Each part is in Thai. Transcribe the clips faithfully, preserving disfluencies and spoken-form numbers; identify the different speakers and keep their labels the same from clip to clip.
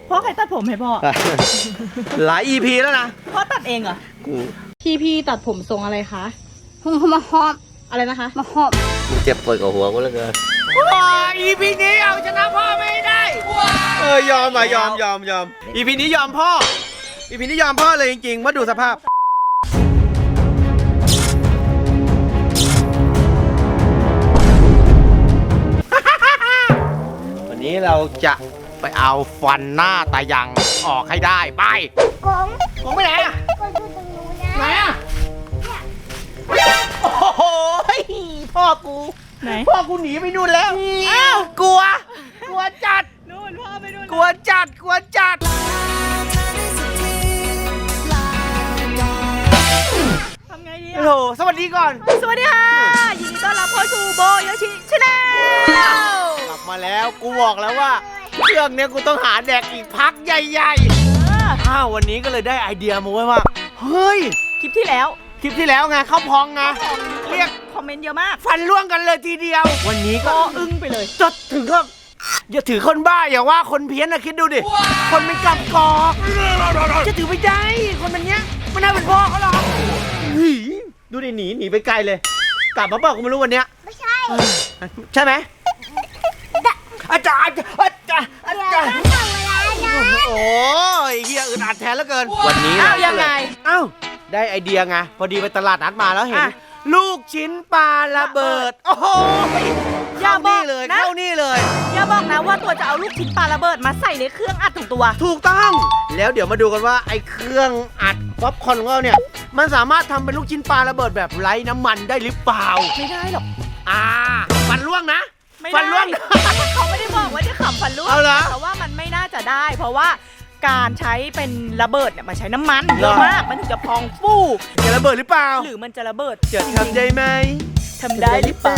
Speaker 1: พ่อใครตัดผมให้พ่อ
Speaker 2: หลาย อี พี แล้วนะ
Speaker 1: พ่อตัดเองเหรอ
Speaker 2: กู
Speaker 3: พี่พี่ตัดผมทรงอะไรคะมาหอบอะไรนะคะมาหอบ
Speaker 2: กูเจ็บปวดกับหัวกูเหลือเกินว้า อี พี นี้เอาชนะพ่อไม่ได้เออยอมอ่ะยอมยอมยอม อี พี นี้ยอมพ่อ อี พี นี้ยอมพ่อเลยจริงๆมาดูสภาพวันนี้เราจะไปเอาฟันหน้าตายังออกให้ได้ไป
Speaker 4: กง
Speaker 2: ผมไปไหนอ่ะ
Speaker 4: กงอยู่ตรงนู้นนะ
Speaker 2: ไหนอ่ะโอ้โหพ่อกู
Speaker 1: ไหน
Speaker 2: พ่อกูหนีไปนู่นแล้วอ้าวกลัว กลัวจัด
Speaker 1: นู่นพ่อไปนู่น
Speaker 2: กลัวจัด กลัวจัด
Speaker 1: ทำไงดี
Speaker 2: โอ้โห สวัสดีก่อน
Speaker 1: สวัสดีค่ะยินดีต้อนรับเข้าสู่โบโยชิชาแนล
Speaker 2: กลับมาแล้ว กูบอกแล้วว่าเครื่องเนี้ยกูต้องหาแดกอีกพักใหญ่ๆอ้าววันนี้ก็เลยได้ไอเดียมาไว้ว่า เฮ้ย
Speaker 1: คลิปที่แล้ว
Speaker 2: คลิปที่แล้วไงเข้าพองไงเรียก
Speaker 1: คอมเมนต์เยอะมาก
Speaker 2: ฟันร่วงกันเลยทีเดียว วันนี้ก็
Speaker 1: ก็อึ้งไปเลย
Speaker 2: จดถึงก็อย่าถือคนบ้าอย่าว่าคนเพี้ยนนะคิดดูดิ คนเป็นกับกอกจะถือไม่ได้คนแบบเนี้ยไม่น่าเป็นพ่อเขาหรอกเฮ้ยดูดิหนีหนีไปไกลเลย กลับมาเปล่ากูไม่รู้วันเนี้ย
Speaker 4: ไม่ใช่
Speaker 2: ใช่ไหมอาจารย์อาจารย์อา
Speaker 4: เดี๋ยว
Speaker 2: จารย์
Speaker 4: ก็ถึงเวลานะ
Speaker 2: โอ้ยเฮียอึดอัดแทนเหลือเกินวันนี้
Speaker 1: อ้าวยังไง
Speaker 2: อ้าวได้ไอเดียไงพอดีไปตลาดนัดมาแล้วเห็น
Speaker 1: อ่ะ
Speaker 2: ลูกชิ้นปลาระเบิดโอ้โห
Speaker 1: อย่า
Speaker 2: เข้า
Speaker 1: บอ
Speaker 2: นี่
Speaker 1: ก
Speaker 2: เลย
Speaker 1: นะ
Speaker 2: เข้านี่เลย
Speaker 1: อย่าบอกนะว่าตัวจะเอาลูกชิ้นปลาระเบิดมาใส่ในเครื่องอัดของตัว
Speaker 2: ถูกต้อง แล้วเดี๋ยวมาดูกันว่าไอ้เครื่องอัดป๊อปคอร์นของเราเนี่ยมันสามารถทำเป็นลูกชิ้นปลาระเบิดแบบไร้น้ำมันได้หรือเปล่า
Speaker 1: ไม่ได้หรอก
Speaker 2: อ่าฟันร่วงนะ
Speaker 1: ไม่
Speaker 2: ฟันร่วง
Speaker 1: ได้ เขาไม่ได้บอกว่าจะขับฟันร่วง
Speaker 2: เอาเหรอ
Speaker 1: แต่ว่ามันไม่น่าจะได้ เพราะว่าการใช้เป็นระเบิดเนี่ยมันใช้น้ำมัน
Speaker 2: เหรอ
Speaker 1: เยอะมากมันถึงจะพองฟู่
Speaker 2: จะระเบิดหรือเปล่า
Speaker 1: หรือมันจะระเบิด
Speaker 2: จะทำได้ไหม
Speaker 1: ทำได้หรือเปล่า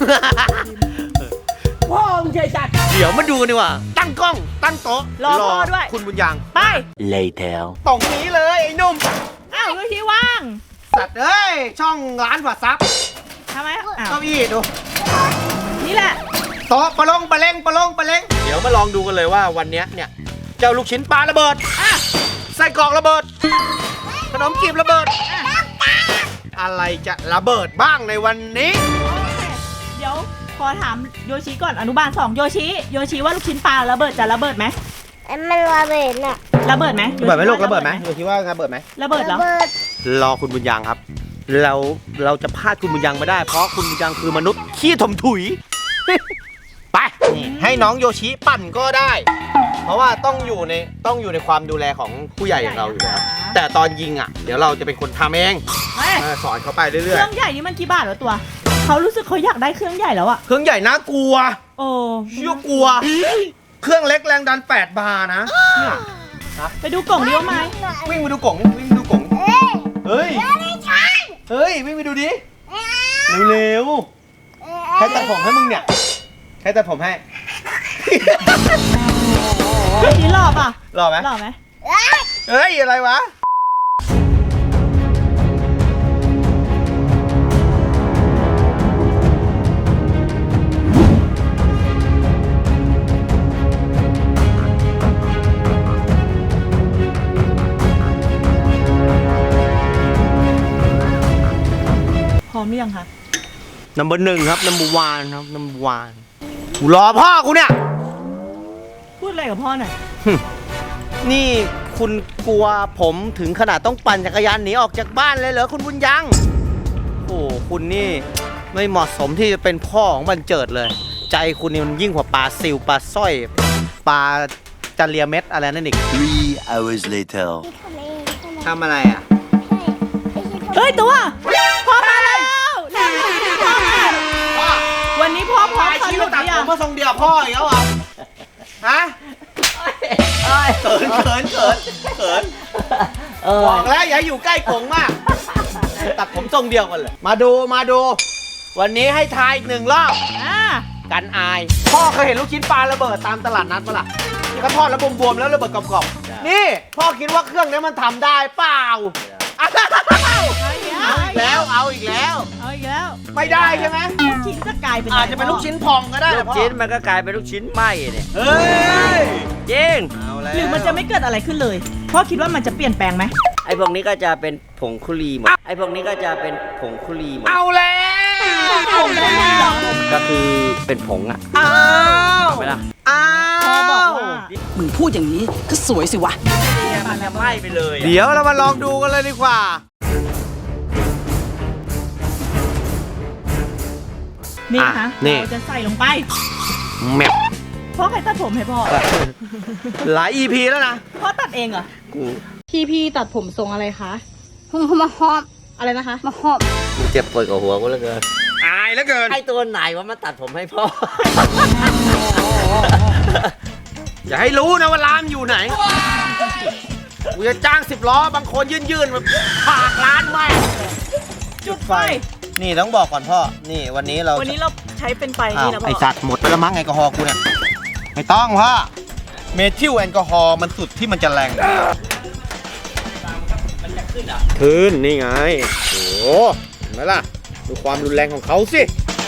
Speaker 2: พ่อมึงใจจัดเดี๋ยวมาดูกันดีกว่า ตั้งกล้อง ตั้งโต๊ะ
Speaker 1: รอพ่อด้วย
Speaker 2: คุณบุญยัง
Speaker 1: ไป
Speaker 2: Later ตรงนี้เลยไอ้หนุ่ม
Speaker 1: อ้าวที่ว่าง
Speaker 2: สัตว์เอ้ย ช่องร้านวัดซับ
Speaker 1: ทำไมอ้าว
Speaker 2: เก้าอี้ดู
Speaker 1: นี่แหละ
Speaker 2: โต๊ะปะลงปะเล้งปะลงปะเล้งเดี๋ยวมาลองดูกันเลยว่าวันเนี้ยเนี่ยเจ้าลูกชิ้นปลาระเบิดอ่ะไส้กรอกระเบิด ขนมจีบระเบิดอ่ะอะไรจะระเบิดบ้างในวันนี้
Speaker 1: เดี๋ยวขอถามโยชิก่อนอนุบาลสองโยชิโยชิว่าลูกชิ้นปลาระเบิดจะระเบิดไหม
Speaker 4: มันระเบิดน่ะ
Speaker 1: ระเบิดไหม
Speaker 2: ระเบิดไหมลูกระเบิดไหมดูคิดว่าระเบิดไหม
Speaker 1: ระเบิดเหรอ
Speaker 4: ระเบิด
Speaker 2: รอคุณบุญยังครับ เราเราจะพลาดคุณบุญยังไม่ได้ เพราะคุณบุญยังคือมนุษย์ขี้ถมถุย ไปนี่ให้น้องโยชิปั่นก็ได้ เพราะว่าต้องอยู่ในต้องอยู่ในความดูแลของผู้ใหญ่อย่างเราอยู่แล้วแต่ตอนยิงอ่ะ เดี๋ยวเราจะเป็นคนทำเอง
Speaker 1: เฮ้ย
Speaker 2: เออสอนเขาไป
Speaker 1: เค
Speaker 2: เรื่อย
Speaker 1: รื่องใหญ่นี่มันกี่บาทวะตัวเขารู้สึกเขาอยากได้เครื่องใหญ่แล้วอะ
Speaker 2: ๆเครื่องใหญ่น่ากลัว
Speaker 1: โอ้
Speaker 2: เชื่อกลัว เครื่องเล็กแรงดันแปดบาร์นะเนี่ย
Speaker 1: ไปดูกล่องดีว่าไหม
Speaker 2: วิ่งไปดูกล่องวิ่งไปดูกล่อง
Speaker 4: เอ้ย
Speaker 2: เฮ้ย
Speaker 4: ไม่ใช่
Speaker 2: เฮ้ยวิ่งไปดูดิ
Speaker 4: เอ้ย
Speaker 2: เร็วๆใครตัดผมให้มึงเนี่ยใครตัดผมให้
Speaker 1: โยชิหล่อป่ะ
Speaker 2: หล่อไหม
Speaker 1: หล่อไหม
Speaker 4: เอ้ย
Speaker 2: เฮ้ย อะไรวะ
Speaker 1: พร้อมหรือยังคะ
Speaker 2: นัมเบอร์หนึ่งครับนัมเบอร์วานครับนัมเบอร์วานกูรอพ่อกูเนี่ย
Speaker 1: พูดอะไรกับพ่อหน่อย
Speaker 2: นี่คุณกลัวผมถึงขนาดต้องปั่นจักรยานหนีออกจากบ้านเลยเหรอคุณบุญยัง โอ้คุณนี่ไม่เหมาะสมที่จะเป็นพ่อของบันเจิดเลย ใจคุณนี่มันยิ่งกว่าปลาซิวปลาสร้อยปลาจาเรียเม็ดอะไรนั่นอีก
Speaker 5: Three hours later.
Speaker 4: ทำเองทำไม
Speaker 2: ทำอะไรอ่ะ
Speaker 1: เฮ้ยตัวพ่อมาแล้วพ่อมาวันนี้พ่อพร้อม
Speaker 2: ไอ้
Speaker 1: ส
Speaker 2: ชี้
Speaker 1: นุ
Speaker 2: มาก ตัด
Speaker 1: หรือ
Speaker 2: ผ
Speaker 1: ยัง
Speaker 2: มมาทรงเดียวพ่ออีกแล้วเหรอฮะเขินเขินเขินเขินบอกแล้วอย่าอยู่ใกล้กงมาก ตัดผมทรงเดียวกันเลย มาดูมาดู วันนี้ให้ทายอีกหนึ่งรอบ
Speaker 1: อ่า
Speaker 2: กันอาย พ่อเคยเห็นลูกชิ้นปลาระเบิดตามตลาดนัดปะล่ะที่เขาทอดแล้วบวมๆแล้วระเบิดกรอบๆนี่ พ่อคิดว่าเครื่องนี้มันทำได้เปล่าเอาอีกแล้วเอาอีกแล้ว
Speaker 1: เอาอีอีกแล้ว
Speaker 2: ไม่ได้ใช่ไหม
Speaker 1: ลูกชิ้นจะกลายเป็น
Speaker 2: อาจจะเป็นลูกชิ้นพองก็ได้
Speaker 6: ลูกชิ้นมันก็กลายเป็นลูกชิ้นไหมเนี่ย
Speaker 2: เฮ้ย
Speaker 6: จริง
Speaker 2: เอาแล้ว
Speaker 1: หรือมันจะไม่เกิดอะไรขึ้นเลยพ่อคิดว่ามันจะเปลี่ยนแปลงไหม
Speaker 6: ไอ้พวกนี้ก็จะเป็นผงคุรีหมดไอ้พวกนี้ก็จะเป็นผงคุรีหมด
Speaker 2: เอาแล้ว
Speaker 6: ก็คือเป็นผงอ่ะ
Speaker 2: อ้าว
Speaker 6: ไม่ล่ะ
Speaker 2: อ้า
Speaker 1: พ่อบอก
Speaker 2: ว
Speaker 1: ว่า
Speaker 7: มึงพูดอย่างนี้ก็สวยสิวะ
Speaker 6: มันจะไหม้ไปเลย
Speaker 2: เดี๋ยวเรามาลองดูกันเลยดีกว่า
Speaker 1: นี่ค่ะ
Speaker 2: อ่ะนี่
Speaker 1: เราจะใส่ลงไป
Speaker 2: แมป
Speaker 1: พ่อใครตัดผมให้พ่อ
Speaker 2: หลาย อี พี แล้วนะ
Speaker 1: พ่อตัดเองเหรอ
Speaker 3: พี่พี่ตัดผมทรงอะไรคะมาหอมอะไรนะคะมาหอม
Speaker 6: กูเจ็บปวดกับหัวกูเหลือเกิน
Speaker 2: อายแล้วเกิน
Speaker 6: ไอ้ตัวไหนว่ามาตัดผมให้พ่อ
Speaker 2: อย่าให้รู้นะว่าร้านอยู่ไหน กูจะจ้างสิบล้อบางคนยื่นๆแบบผากร้านแม่ง
Speaker 1: จุดไฟ
Speaker 2: นี่ต้องบอกก่อนพ่อ นี่วันนี้เรา
Speaker 1: วันนี้เราใช้เป็นไฟ
Speaker 2: อ้า
Speaker 1: นี่
Speaker 2: ว
Speaker 1: นะพ่อ
Speaker 2: ไอสัตว์หมดไปแล้วมั้งแอลกอฮอล์กูเนี่ย ไม่ต้องพ่อ เมทิลแอลกอฮอล์มันสุดที่มันจะแรงขึ้นนี่ไง โอ้โหเห็นไหมล่ะ ดูความรุนแรงของเขาสิ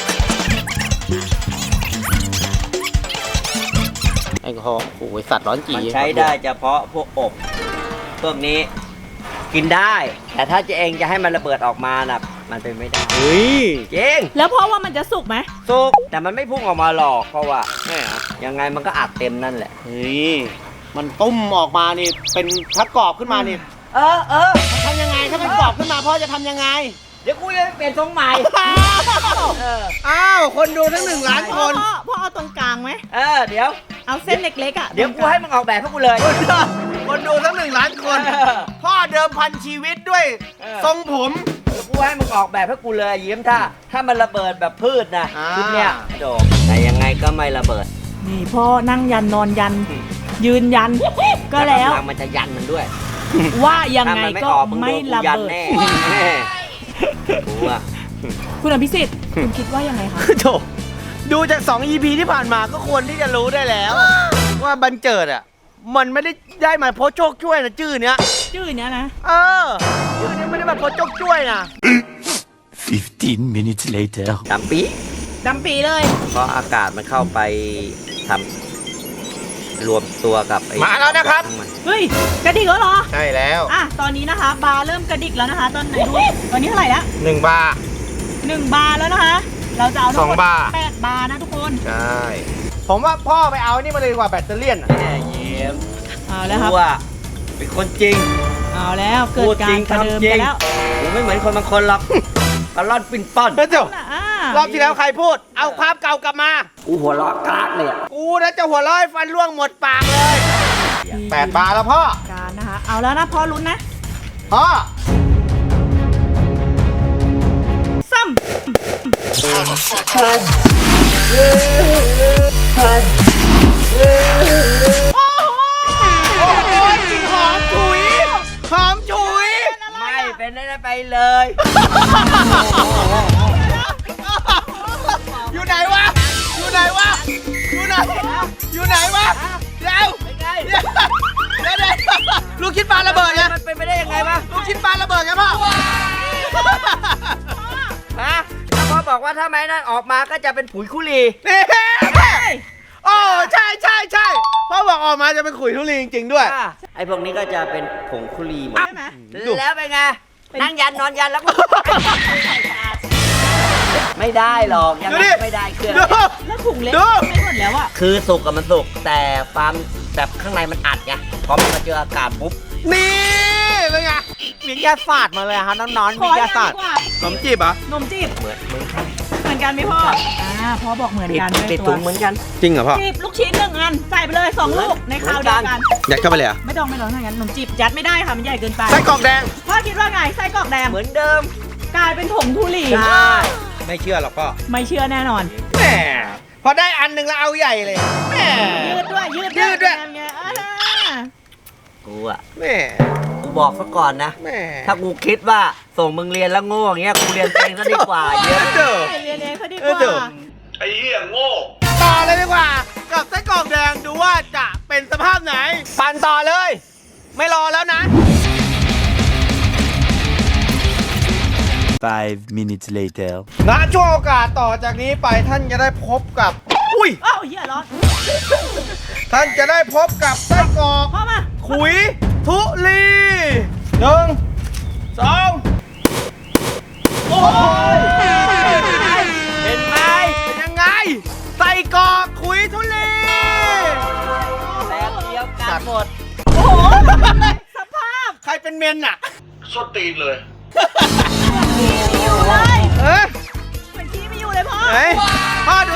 Speaker 2: แอลกอฮอล์โอ้ยสัตว์ร้อนจี๋
Speaker 6: มันใช้ได้เฉพาะพวกอบพวกนี้กินได้ แต่ถ้าจะเองจะให้มันระเบิดออกมาน่ะมันเป็นไม่ได้
Speaker 2: เฮ้ย
Speaker 6: จริง
Speaker 1: แล้วพ่อว่ามันจะสุกไหม
Speaker 6: สุกแต่มันไม่พุ่งออกมาหรอกเพราะว่าแม่ยังไงมันก็อัดเต็มนั่นแหละ
Speaker 2: เฮ้ย มันตุ้มออกมานี่ เป็นถ้ากรอบขึ้นมานี่
Speaker 6: เออเออ
Speaker 2: ทำยังไง ถ้าเป็นกรอบขึ้นมาพ่อจะทำยังไง
Speaker 6: เดี๋ยวกูจะเปลี่ยนทรงใหม่เออ
Speaker 2: อ้าว คนดูทั้งหนึ่งล้านค
Speaker 1: พ่อน พ่อพ่อเอาตรงกลางไหม
Speaker 6: เออเดี๋ยว
Speaker 1: เอาเส้นเล็กๆอ่ะ
Speaker 6: เดี๋ยวกูให้มึงออกแบบให้กูเลย
Speaker 2: คนดูทั้งหนึ่งล้านคน
Speaker 6: เออ
Speaker 2: พ่อเดิมพันชีวิตด้วย
Speaker 6: เออ
Speaker 2: ทรงผม
Speaker 6: เดี๋ยวกูให้มึงออกแบบให้กูเลยยิ้มถ้า ถ้ามันระเบิดแบบพืชนะ
Speaker 2: อ่า
Speaker 6: ชุดเนี้ยโดดแต่ยังไงก็ไม่ระเบิด
Speaker 1: นี่พ่อนั่งยันนอนยัน ยืนยัน ก็แล้ว
Speaker 6: กำลังมันจะยันมันด้วย
Speaker 1: ว่ายัง
Speaker 6: ถ้า
Speaker 1: ไง
Speaker 6: มันไม่
Speaker 1: ก็
Speaker 6: ออกมึง
Speaker 1: ไม่
Speaker 6: โดนกู
Speaker 1: ระ
Speaker 6: ยัน
Speaker 1: เบิด
Speaker 6: แน่แน่กูอะ
Speaker 1: คุณอภิสิทธิ์คุณคิดว่ายังไงคะ
Speaker 2: โถดูจาก สอง อี พี ที่ผ่านมาก็ควรที่จะรู้ได้แล้ว ว่าบันเจิดอ่ะ มันไม่ได้ได้มาเพราะโชคช่วยนะชื่อเนี้ย
Speaker 1: ชื่อเนี้ยนะ
Speaker 2: เออ ชื่อเนี้ยไม่ได้มาเพราะโชคช่วยนะ
Speaker 5: Fifteen minutes later.
Speaker 6: ดำปี
Speaker 1: ดำปีเลย
Speaker 6: เพราะอากาศมันเข้าไปทำรวมตัวกับไอ้
Speaker 2: มาแล้วนะครับ
Speaker 6: ของมัน
Speaker 1: เฮ้ย กระดิกแล้วเหรอ
Speaker 2: ใช่แล้ว
Speaker 1: อ่ะ ตอนนี้นะคะ บาร์เริ่มกระดิกแล้วนะคะ ตอนไหนดูตอนนี้เท่าไหร่ละ
Speaker 2: หนึ่งบาร์
Speaker 1: หนึ่งบาร์แล้วนะคะ เราจะเอาทั้งหม
Speaker 2: ส
Speaker 1: ด
Speaker 2: องบาร์
Speaker 1: แปดบาร์นะทุกคน
Speaker 2: ใช่ ผมว่าพ่อไปเอานี่มาเลยดีกว่าแบตเตอรี่ยนอะ
Speaker 6: แน่เยี่ยม
Speaker 1: เอาแล้วครับ
Speaker 6: กูอะเป็นคนจริง
Speaker 1: เอาแล้วเกิด
Speaker 6: พูด
Speaker 1: กา
Speaker 6: จริ
Speaker 1: รง ประเดิม
Speaker 6: ทำจริ
Speaker 1: กั
Speaker 6: ง
Speaker 1: นแล้ว
Speaker 6: กูไม่เหมือนคนบางคนหรอกกระล่อนปิ่นป้อน
Speaker 2: เฮ้ยเดี๋ยว
Speaker 1: อ่าร
Speaker 2: อบที่แล้วใครพูด เอาภาพเก่ากลับมา
Speaker 6: กูหัวเราะกรากเลยอะ
Speaker 2: กูนะจะหัวเร้อยฟันร่วงหมดปากเลยแปดบาร์แล้วพ่อ
Speaker 1: การนะคะ เอาแล้วนะพ่อลุ้นนะ
Speaker 2: พ่อ
Speaker 1: ซ้ำโอ้โห
Speaker 2: โอ้โหกลิ่นหอมฉุย หอมฉุย
Speaker 6: ไม่เป็นได้ไปเลย
Speaker 2: อยู่ไหนวะ อยู่ไหนวะ อยู่ไหน อยู่ไหนวะ เดี๋ยว
Speaker 6: เป็นไง
Speaker 2: เดี๋ยวเดี๋ยวเดี๋ยวลูกชิ้นปลาระเบิดไง
Speaker 6: มันเป็นไปได้ยังไงวะ
Speaker 2: ลูกชิ้นปลาระเบิดไงพ่อ
Speaker 6: ฮะถ้าพ่อบอกว่าถ้าไม้นั่นออกมาก็จะเป็นผุยคุรี
Speaker 2: นี่โอ้ใช่ใช่ใช่พ่อบอกออกมาจะเป็นขุยทุเรียนจริงๆด้วย
Speaker 6: อ่ะไอ้พวกนี้ก็จะเป็นผงคุรีหมด
Speaker 1: ใช่ไหม
Speaker 6: แล้วเป็นไง นั่งยันนอนยันแล้วก็ ไม่ได้หรอกยัง
Speaker 2: ดู
Speaker 6: ไง
Speaker 2: ดิ
Speaker 6: ก็ไม่ได้เครื่อง
Speaker 2: ดู
Speaker 1: แล้วถุงเล็ก
Speaker 2: ดู
Speaker 1: ไม่หมดแล้วอ่ะ
Speaker 6: คือสุกกับมันสุกแต่ความแบบข้างในมันอัดไงพอมันมาเจออากาศปุ๊บ
Speaker 2: นี่เป็นไงมียาศาสตร์มาเลยฮะน้องๆ
Speaker 1: ข
Speaker 2: มี
Speaker 1: อย
Speaker 2: าศาสตร์
Speaker 1: ดีกว่า
Speaker 2: ขนมจีบเหรอ่ะ
Speaker 1: นมจีบ
Speaker 6: เหมือนเหมือนกัน
Speaker 1: เหมือนกันไหมพ่อ อ่าพ่อบอกเหมือน
Speaker 6: ปิด
Speaker 1: กันด้วย
Speaker 6: ปิด
Speaker 1: ตั
Speaker 6: ถุ
Speaker 1: ว
Speaker 6: งเหมือนกัน
Speaker 2: จริงเหรอพ่อ
Speaker 1: จีบลูกชิ้นหนึ่งอันใส่ไปเลยสองลูกในคราวเดียวกัน
Speaker 2: ยัดเข้าไปเลยเหรอ่ะ
Speaker 1: ไม่ต้องไม่ต้องถ้างั้นขนมจีบยัดไม่ได้ค่ะมันใหญ่เกินไป
Speaker 2: ไส้กรอกแดง
Speaker 1: พ่อคิดว่าไงไส้กรอกแดง
Speaker 6: เหมือนเดิม
Speaker 1: กลายเป็นผงทุลี
Speaker 6: ใช่
Speaker 2: ไม่เชื่อหรอกพ่อ
Speaker 1: ไม่เชื่อแน่นอน
Speaker 2: แหมพอได้อันหนึ่งแล้วเอาใหญ่เลยแหม
Speaker 1: ยืดด้วยยืด
Speaker 2: ยืดด้วย
Speaker 1: ไงอ่า
Speaker 6: กูอะ
Speaker 2: แหม
Speaker 6: กูบอกซะก่อนนะ
Speaker 2: แหม
Speaker 6: ถ้ากูคิดว่าส่งมึงเรียนแล้วโง่อย่างเงี้ยกูเรียนเองซะดีกว่าเยอะ
Speaker 2: เด้อ
Speaker 1: เรียนเองเขาดีก
Speaker 2: เออเดี๋ยว
Speaker 1: ว่า
Speaker 2: ต่อเลยดีกว่า กับไส้กรอกแดงดูว่าจะเป็นสภาพไหน ปั่นต่อเลย ไม่รอแล้วนะ
Speaker 5: Five minutes later.
Speaker 2: ณช่วงโอกาสต่อจากนี้ไปท่านจะได้พบกับ อุ้ย
Speaker 1: อ้าวเหี้ยร้อน
Speaker 2: ท่านจะได้พบกับไส้กรอก
Speaker 1: พ่อมา
Speaker 2: ขุยทุลีหนึ่งสองโอ้ยเห็นไหมเป็นยังไงไส้กรอกขุยทุลี
Speaker 6: แบบเดียวกันหมด
Speaker 1: โอ้โหสภาพ
Speaker 2: ใครเป็นเมนอะ
Speaker 1: ขี้ไม่อยู่เลย
Speaker 2: เอ๊ะ
Speaker 1: เหมือนขี้ไม่อยู่เลยพ่อ
Speaker 2: ไหนพ่อดู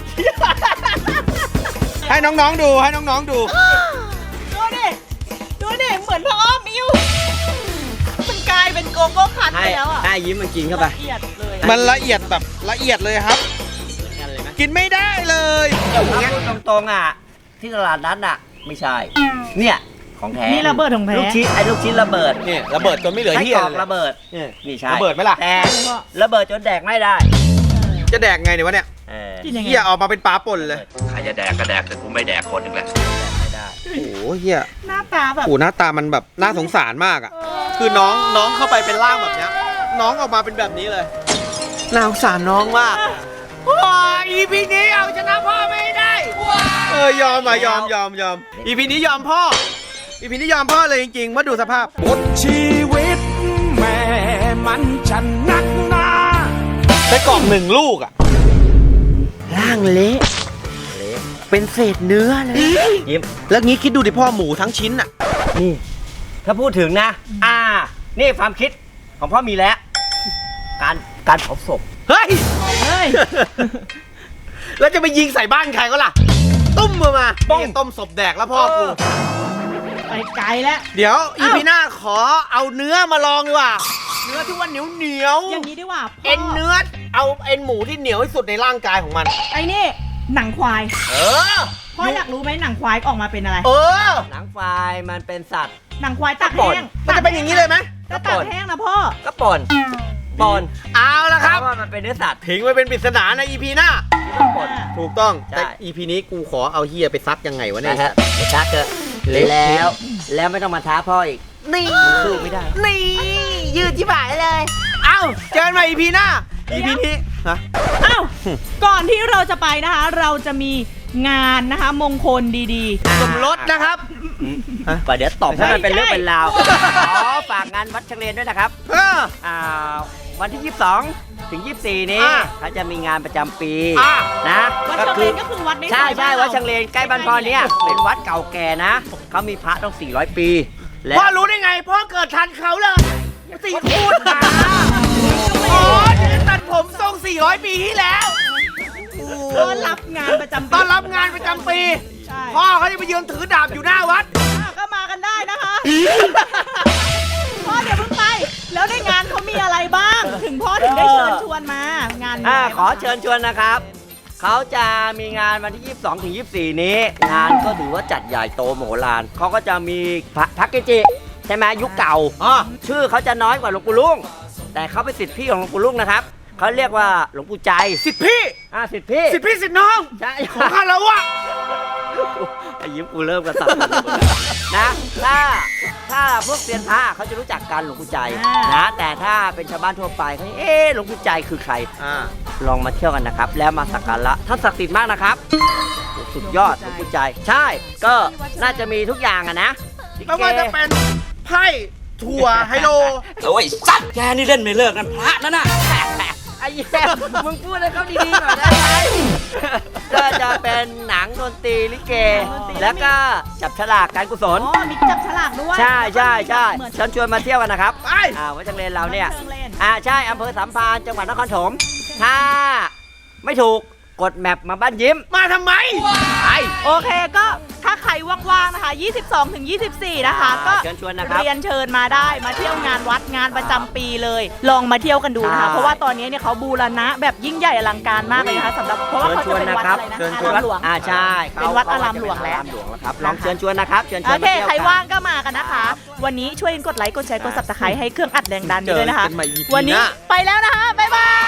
Speaker 2: ให้น้องๆดูให้น้องๆดู
Speaker 1: ดูดิดูดิเหมือนพ่ออ้อมมิวมันกลายเป็นโกโก้คัน
Speaker 6: ให้
Speaker 1: ไปแล้วอ่ะ
Speaker 6: ให้ยิ้มมันกินเข้าไป
Speaker 1: ละเอียดเลยอะ
Speaker 2: มันละเอียดแบบละเอียดเลยครับ
Speaker 6: กันเลยไหม
Speaker 2: กินไม่ได้เลย
Speaker 6: ถ้าพูดตรงๆอ่ะ ที่ตลาดนัดอ่ะ ไม่ใช่ เนี่ยของแท้
Speaker 1: นี่ระเบิดของแท้
Speaker 6: ลูกชิ้นไอ้ลูกชิ้นระเบิด
Speaker 2: เนี่ยระเบิดจนไม่เหลือ
Speaker 6: ไส้
Speaker 2: ที่
Speaker 6: กรอก
Speaker 2: เลย
Speaker 6: ระเบิด
Speaker 2: เนี่ย
Speaker 6: นี่ใช่
Speaker 2: ระเบิดไหมล่ะ
Speaker 6: แต่ระเบิดจนแดกไม่ได้
Speaker 2: จะแดกไงเนี่ยวะเนี่ย
Speaker 6: เออ
Speaker 1: กินยังไง
Speaker 2: เฮียออกมาเป็นปลาป่นเลย
Speaker 5: ใครจะแดกก็แดกแต่กูไม่แดกคนหนึ่งแหละ
Speaker 6: ไม่ได้
Speaker 2: โอ้โหเฮีย
Speaker 1: หน้าตาแบบ
Speaker 2: โอ้หน้าตามันแบบน่าสงสารมากอ่ะ คือน้องน้องเข้าไปเป็นร่างแบบเนี้ย น้องออกมาเป็นแบบนี้เลย น่าสงสารน้องมากว้าอีพีนี้เอาชนะพ่อไม่ได้ เออยอมอ่ะยอมยอมยอมอีพีนี้ยอมพ่อ อีพีนี้ยอมพ่อเลยจริงๆมาดูสภาพ
Speaker 5: บทชีวิตแม่มันฉันนักหนา
Speaker 2: ไส้กรอกหนึ่งลูกอ่ะ ร่างเละ
Speaker 6: เละ
Speaker 2: เป็นเศษเนื้อเลย
Speaker 6: ยิ้ม
Speaker 2: แล้วงี้คิดดูดิพ่อหมูทั้งชิ้นอ่ะ
Speaker 6: นี่ ถ้าพูดถึงนะ อ่า นี่ความคิดของพ่อมีแล้ว การการเผาศพ
Speaker 2: เฮ้ย
Speaker 1: เฮ้ย
Speaker 2: แล้วจะไปยิงใส่บ้านใครก็ล่ะ ตุ้มมามาป้องต้มศพแดกแล้วพ่อกู
Speaker 1: ไปไกลแล้ว
Speaker 2: เดี๋ยวอี
Speaker 1: อ้าว
Speaker 2: พีหน้าขอเอาเนื้อมาลองดีกว่า เนื้อที่ว่าเหนียวเหนียว
Speaker 1: อย่างนี้ดีกว่าพ่
Speaker 2: เอ็นเนื้อ เอาเอ็นหมูที่เหนียวที่สุดในร่างกายของมัน
Speaker 1: ไอ้นี่หนังควาย
Speaker 2: เออ
Speaker 1: พ่ออยากรู้ไหมหนังควายออกมาเป็นอะไร
Speaker 2: เออ
Speaker 6: หนังควายมันเป็นสัตว์
Speaker 1: หนังควายตาก
Speaker 6: ป่น
Speaker 1: แห้ง
Speaker 2: มันจะเป็นอย่างนี้เลยไหม
Speaker 1: ก็ตากแห้งนะพ่อ
Speaker 6: ก็ป่นป่น
Speaker 2: เอาละครับ
Speaker 6: เพาะว่ามันเป็นเนื้อสัตว์
Speaker 2: ทิ้งไว้เป็นปริศนาในอีพีหน้า
Speaker 6: ที่ต้องป่น
Speaker 2: ถูกต้อง
Speaker 6: ใช่
Speaker 2: แต่อีพีนี้กูขอเอาเฮียไปซักยังไงวะเนี่ย
Speaker 6: นะฮะไปชักเถอะ
Speaker 2: เละ
Speaker 6: แล้ว แล้วไม่ต้องมาท้าพ่ออีก
Speaker 2: นี่
Speaker 6: มันสู้ไม่ได้
Speaker 2: นี่ ยืดที่บ่ายเลย เอ้า เจอกันใหม่อีพีหน้า อีพีนี้ฮะ
Speaker 1: อ้าว ก่อนที่เราจะไปนะคะ เราจะมีงานนะคะมงคลดีๆ
Speaker 2: สมรสนะครับ
Speaker 6: ป่ะเดี๋ยวตอบให้มันเป็นเรื่อง
Speaker 1: ไม่ใช่
Speaker 6: เป็นราวอ๋อฝากงานวัดเฉลียนด้วยนะครับ
Speaker 2: เออ
Speaker 6: อ่าวันที่ ยี่สิบสอง ถึง ยี่สิบสี่ นี้
Speaker 2: อ่า
Speaker 6: เขาจะมีงานประจำปี
Speaker 2: อ่า
Speaker 6: นะ
Speaker 1: วัดเชงเลนก็คือวัดใน
Speaker 6: ใช่
Speaker 1: ซอย
Speaker 6: ใช่
Speaker 1: บ้านเรา
Speaker 6: วัดเชงเลนใกล้บ้านพ่อเนี่ยเป็นวัดเก่าแก่นะเขามีพระต้อง สี่ร้อย ปี และ
Speaker 2: พ่อรู้ได้ไง พ่อเกิดทันเขาเลยสี่พูดมาอ๋อเดี๋ยวตัดผมทรงสี่ร้อยปีที่แล้ว
Speaker 1: ต้อนรับงานประจำปี
Speaker 2: ต้อนรับงานประจำปี
Speaker 1: ใช่
Speaker 2: พ่อเขาจะไปยืนถือดาบอยู่หน้าวัด
Speaker 1: อ่ะก็มากันได้นะคะ พ่อเดี๋ยวเพิ่งไป แล้วในงานเขามีอะไรบ้าง ถึงพ่อถึงได้เชิญชวนมา งานมี
Speaker 6: อ่า
Speaker 1: อะไร
Speaker 6: ขอ
Speaker 1: บ้าง
Speaker 6: เชิญชวนนะครับ เขาจะมีงานวันที่ ยี่สิบสอง ถึง ยี่สิบสี่ นี้ งานก็ถือว่าจัดใหญ่โตมโหฬารเขาก็จะมีพระทักเกจิ ใช่ไหมยุคเก่า
Speaker 2: อ๋อ
Speaker 6: ชื่อเขาจะน้อยกว่าหลวงปู่ลุง แต่เขาเป็นศิษย์พี่ของหลวงปู่ลุงนะครับ เขาเรียกว่าหลวงปู่ใจ
Speaker 2: สิทธิพี่
Speaker 6: อ่าศิษย์พี่
Speaker 2: สิทธิพี่สิทธิน้อง
Speaker 6: ใช่
Speaker 2: ของข้าแล้ววะ
Speaker 6: ไอ้ยิ้มกูเริ่มกระสับกระส่ายนะ ถ้าถ้าพวกเซียนพระเขาจะรู้จักกันหลวงปู่ใจนะ แต่ถ้าเป็นชาวบ้านทั่วไปเขาเอ๊ะหลวงปู่ใจคือใคร
Speaker 2: อ่า
Speaker 6: ลองมาเที่ยวกันนะครับ แล้วมาสักการะท่านศักดิ์สิทธิ์มากนะครับโอ้สุดยอดหลวงปู่ใจ ใช่ ก็น่าจะมีทุกอย่างอะนะลิเก
Speaker 2: ไม่ว่าจะเป็นไพ่ถั่วไฮโล
Speaker 7: โอ้ยสัตว์แกนี่เล่นไม่เลิกนั่นพระนั่นน่ะ
Speaker 6: ไอ้แย่มึงพูดให้เขาดีๆหน่อยได้ไหมก็จะเป็นหนังดนตรีลิเก แล้วก็จับฉลากการกุศล
Speaker 1: อ๋อ มีจับฉลากด้วย
Speaker 6: ใช่ใช่ใช่
Speaker 1: เหมือน
Speaker 6: เชิญชวนมาเที่ยวกันนะครับ
Speaker 2: ไป
Speaker 6: อ่าวัดจังเลนเราเนี่ย
Speaker 1: วัดจังเลน
Speaker 6: อ่าใช่อำเภอสามพรานจังหวัดนครปฐมถ้าไม่ถูกกดแมปมาบ้านยิ้ม
Speaker 2: มาทำไม
Speaker 6: ไป
Speaker 1: โอเคก็ถ้าใครว่างๆนะคะ ยี่สิบสองถึงยี่สิบสี่ นะคะ ก็
Speaker 6: เชิญชวนนะครับ
Speaker 1: เรียนเชิญมาได้มาเที่ยวงานวัดงานประจำปีเลย ลองมาเที่ยวกันดูนะคะ
Speaker 6: ใช่
Speaker 1: เพราะว่าตอนนี้เนี่ยเขาบูรณะแบบยิ่งใหญ่อลังการมากเลยนะคะสำหรับเพราะว่าเขาจะเป็นวัดอะไรนะ
Speaker 6: เชิญช
Speaker 1: อา
Speaker 6: วน
Speaker 1: รามหลวง
Speaker 6: อ่าใช่
Speaker 1: เป็นวัดอารามหลวงแล้ว
Speaker 6: อารามหลวงแล้วครับลองเชิญชวนนะครับเชิญช
Speaker 1: โอ
Speaker 6: วน
Speaker 1: เค
Speaker 6: มาเที่ยว
Speaker 1: ใคร
Speaker 6: กัน
Speaker 1: ว่างก็มากันนะคะ วันนี้ช่วยกดไลค์กดแชร์กด ซับสไครบ์ให้เครื่องอัดแรงดันด้วยนะคะ
Speaker 2: เจอกันใหม่ อี พี
Speaker 1: วันนี้
Speaker 2: หน้า
Speaker 1: ไปแล้วนะคะบ๊ายบาย